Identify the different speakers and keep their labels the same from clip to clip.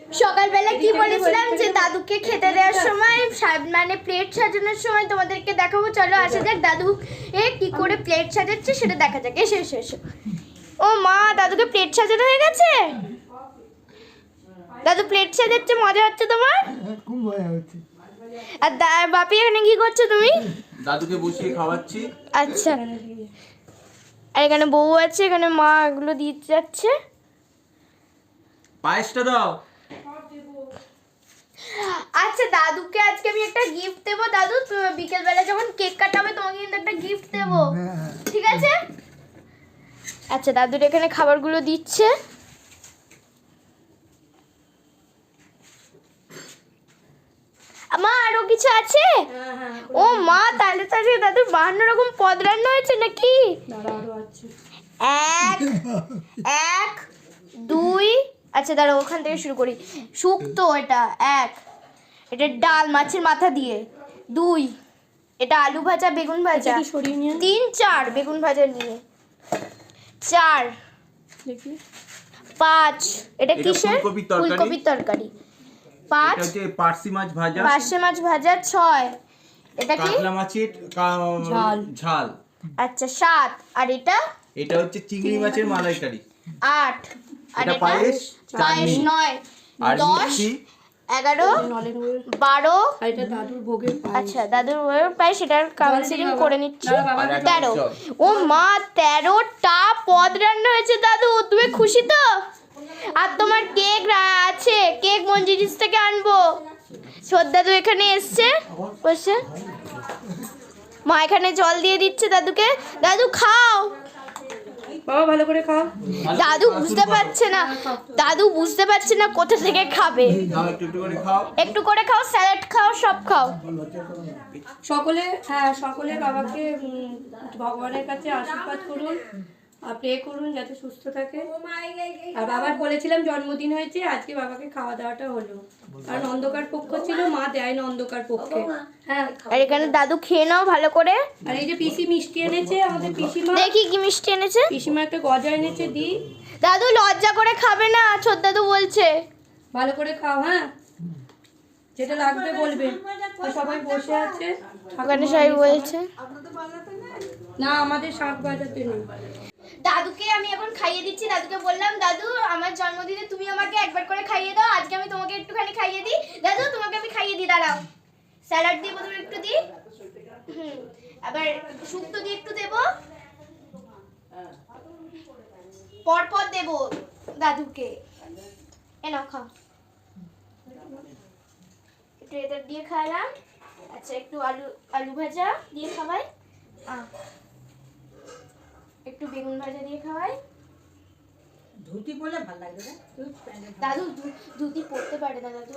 Speaker 1: সকালবেলা কি বলেছিলাম যে দাদুকে খেতে দেওয়ার সময় মানে প্লেট সাজানোর সময় তোমাদেরকে দেখাবো। চলো আসা যাক দাদু কি করে প্লেট সাজাচ্ছে সেটা দেখা যাক। এসো এসো এসো। ও মা, দাদুকে প্লেট সাজানো হয়ে গেছে। দাদু প্লেট সাজাচ্ছে, মজা হচ্ছে তোমার?
Speaker 2: খুব মজা হচ্ছে।
Speaker 1: আর বাপি এখানে কি করছো তুমি?
Speaker 3: দাদুকে বসিয়ে খাওয়াচ্ছি।
Speaker 1: আচ্ছা, আর এখানে বউ আছে, এখানে মা এগুলো দিয়ে যাচ্ছে।
Speaker 3: পায়েসটা দাও।
Speaker 1: আচ্ছা, দাদুকে আজকে আমি একটা গিফট দেবো। দাদু বিকেল বেলা যখন কেক কাটাবে তোমাকে কিন্তু একটা গিফট দেবো, ঠিক আছে? আচ্ছা, দাদুর এখানে খাবারগুলো দিচ্ছে। মা আরো কিছু আছে? ও মা, তাহলে তাহলে দাদুর 52 রকম পদ রান্না হয়েছে নাকি? এক দুই, আচ্ছা দাঁড়া ওখান থেকে শুরু করি। শুক্তো এটা এক, এটা ডাল মাছের মাথা দিয়ে। দুই, এটা আলু ভাজা বেগুন ভাজা। তিন চার বেগুন ভাজা নিয়ে। চার, পাঁচ, এটা কিসের? ফুলকপির তরকারি। পাঁচ,
Speaker 3: এটা হচ্ছে পার্সি মাছ ভাজা।
Speaker 1: পার্শে মাছ ভাজা। ছয়, এটা কি?
Speaker 3: কাতলা মাছের ঝাল।
Speaker 1: আচ্ছা সাত, আর এটা?
Speaker 3: এটা হচ্ছে চিংড়ি মাছের মালাইকারি।
Speaker 1: আট, আর
Speaker 3: এটা
Speaker 1: এটা
Speaker 3: পায়েস,
Speaker 1: পায়েস।
Speaker 3: চাটনি।
Speaker 1: নয়,
Speaker 3: আর
Speaker 1: 10,
Speaker 3: মিষ্টি।
Speaker 1: 11, 12।
Speaker 4: এটা দাদুর ভোগের
Speaker 1: আচ্ছা, দাদুর ভোগের পায়েস, সেটার কাউন্সিলিং করে নিচ্ছি। 13। ও মা, 13টা পদ রান্না হয়েছে দাদু, তুমি খুশি তো? আর তোমার কেক আছে, কেক মঞ্জিরিস থেকে আনবো। দাদু এখানে এসছে বসে, মা এখানে জল দিয়ে দিচ্ছে দাদুকে। দাদু খাও।
Speaker 4: বাবা ভালো করে খাও।
Speaker 1: দাদু বুঝতে পারছে না, দাদু বুঝতে পারছে না কোথা থেকে খাবে।
Speaker 3: দাও একটু একটু করে খাও।
Speaker 1: একটু করে খাও, স্যালাড খাও, সব খাও।
Speaker 4: সকলে বাবাকে ভগবানের কাছে আশীর্বাদ করুন আর প্রে করুন যাতে সুস্থ থাকে। আর বাবার বলেছিলাম জন্মদিন হয়েছে, আজকে বাবাকে খাওয়া দাওয়াটা হলো। কারণ অন্ধকার পক্ষ ছিল, মা দেয় না অন্ধকার পক্ষে। হ্যাঁ,
Speaker 1: আর এখানে দাদু খেয়ে নাও ভালো করে।
Speaker 4: আর এই যে পিসি মিষ্টি এনেছে, আমাদের পিসিমা।
Speaker 1: দেখি কি মিষ্টি এনেছে।
Speaker 4: পিসিমা একটা গজা এনেছে, দি।
Speaker 1: দাদু লজ্জা করে খাবে না, ছোট দাদু বলছে।
Speaker 4: ভালো করে খাও, হ্যাঁ, যেটা লাগবে বলবে। সবাই বসে আছে,
Speaker 1: ওখানে সবাই বলছে।
Speaker 4: না আমাদের শাক বাজাতে নেই।
Speaker 1: দাদুকে আমি এখন খাইয়ে দিচ্ছি। দাদুকে বললাম দাদু আমার জন্মদিনে তুমি আমাকে একবার করে খাইয়ে দাও, আজকে আমি তোমাকে একটুখানি খাইয়ে দিই। দাদু তোমাকে আমি খাইয়ে দিই, দাঁড়াও। স্যালাড দিয়ে প্রথমে একটু দিই, আবার শুক্তো দিয়ে একটু দেবো, পরপর দেবো দাদুকে। এনাও খাও। একটু এটা দিয়ে খাওয়ালাম। আচ্ছা, একটু আলু ভাজা দিয়ে খাওয়াই, একটু বেগুন ভাজা দিয়ে খাওয়াই।
Speaker 5: ধুতি পরলে ভালো লাগবে না?
Speaker 1: দাদু ধুতি পরতে পারে না দাদু।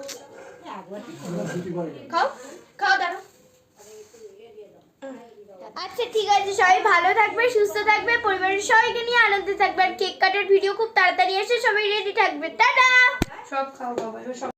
Speaker 1: খাও খাও দাদু। আচ্ছা ঠিক আছে, সবাই ভালো থাকবে, সুস্থ থাকবে, পরিবারের সবাইকে নিয়ে আনন্দে থাকবে। আর কেক কাটার ভিডিও খুব তাড়াতাড়ি এসে সবাই রেডি থাকবে। টাটা।
Speaker 4: সব খাও বাবা, এবার সব